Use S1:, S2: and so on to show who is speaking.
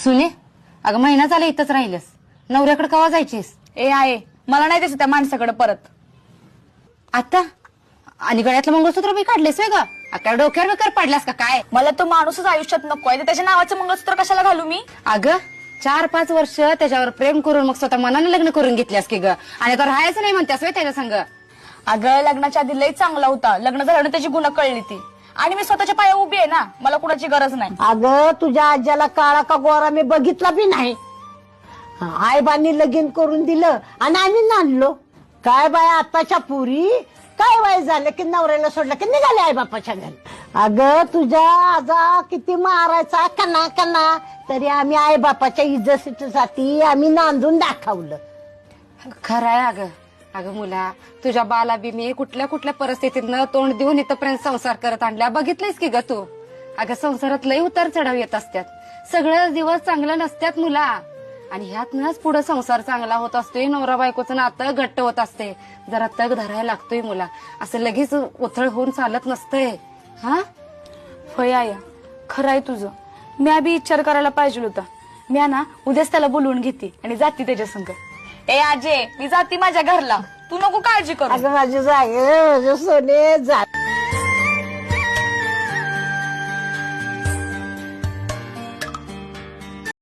S1: सुने, अगं महिना झाला इथंच राहिलस, नवऱ्याकडे कवा जायचीस?
S2: ए आहे, मला नाही द्यायचं त्या माणसाकडे परत.
S1: आता आणि गळ्यातलं मंगळसूत्र बी काढलेस ग? आता डोक्यावर बेकार पडलास का काय?
S2: मला तो माणूसच आयुष्यात नको आहे, तर त्याच्या नावाचं मंगळसूत्र कशाला घालू मी?
S1: अगं 4-5 वर्ष त्याच्यावर प्रेम करून मग स्वतः मनाने लग्न करून घेतल्यास की ग, आणि आता राहायचं नाही म्हणतेस वे त्याच्या संग?
S2: अगं लग्नाच्या आधी लई चांगला होता, लग्न झाल्यावर त्याची गुन्हा कळली ती. आणि मी स्वतःच्या पाया उभी आहे ना, मला कुणाची गरज नाही.
S3: अगं तुझ्या आज्याला काळा का गोरा मी बघितला बी नाही. आईबांनी लगीन करून दिलं आणि आम्ही नांदलो. काय बाय आताच्या पुरी काय वय झालं की नवऱ्याला सोडलं की निघाले आई बापाच्या घरी. अगं तुझ्या आजा किती मारायचा कना कना, तरी आम्ही आई बापाच्या इज्जतीसाठी आम्ही नांदून दाखवलं.
S1: खरंय अगं. अगं मुला, तुझ्या बाला बी मी कुठल्या कुठल्या परिस्थितीतनं तोंड देऊन इथपर्यंत संसार करत आणल्या, बघितलंयस की ग तू? अगं संसारात लई उतार चढाव येत असतात, सगळं दिवस चांगलं नसतात मुला, आणि ह्यातनच पुढे संसार चांगला होत असतोय, नवरा बायकोचं नातं घट्ट होत असते. जरा तग धरायला लागतोय मुला, असं लगेच उथळ होऊन चालत नसतंय. हा
S2: होय आया, खरं आहे तुझं. मी आधी विचार करायला पाहिजे होता. मी ना उद्याच त्याला बोलवून घेते आणि जाते त्याच्या संग. ए आजे, मी जाते माझ्या घरला, तू नको काळजी करू.
S3: अगं माझी जागे माझे सोने जा.